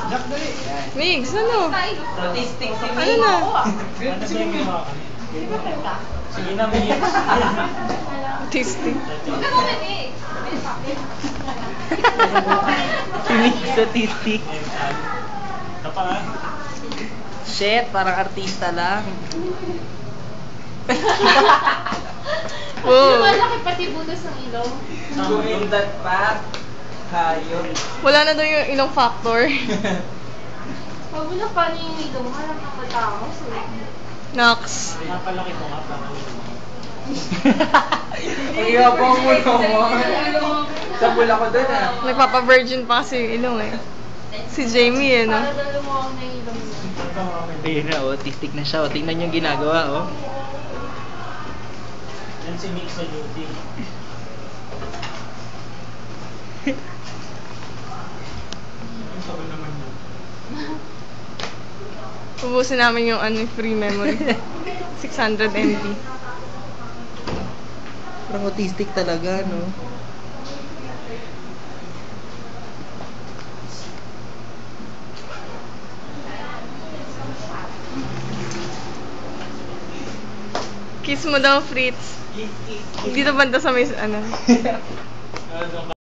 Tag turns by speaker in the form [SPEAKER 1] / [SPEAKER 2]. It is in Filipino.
[SPEAKER 1] Migs, ano?
[SPEAKER 2] Statistic si
[SPEAKER 1] Ano na?
[SPEAKER 2] Sige na, Migs.
[SPEAKER 1] Tasty.
[SPEAKER 2] Migs statistic. Shit, parang artista lang.
[SPEAKER 1] Wow.
[SPEAKER 3] Malaki pati butas ng ilong.
[SPEAKER 2] Gumindat pa. Hayop.
[SPEAKER 1] Wala na daw yung ilong factor.
[SPEAKER 3] Pag wala pa niya yung ilong, harap ng matao.
[SPEAKER 1] Nox.
[SPEAKER 2] Napalaki mo nga, paano ang yabang mo naman. Sabula ko dun ah.
[SPEAKER 1] Nagpapa-virgin pa kasi yung ilong eh. Si Jamie eh, no?
[SPEAKER 3] Para daw lumawang na yung ilong niya.
[SPEAKER 2] Ayun na, autistic na siya. Tingnan yung ginagawa, oh.
[SPEAKER 4] Yan si Mix sa duty. Ang sabi naman yun.
[SPEAKER 1] Ubusin namin yung free memory. 600 MB.
[SPEAKER 2] Parang autistic talaga, no?
[SPEAKER 1] Kiss mo daw, Fritz. Dito banda sa may, ano.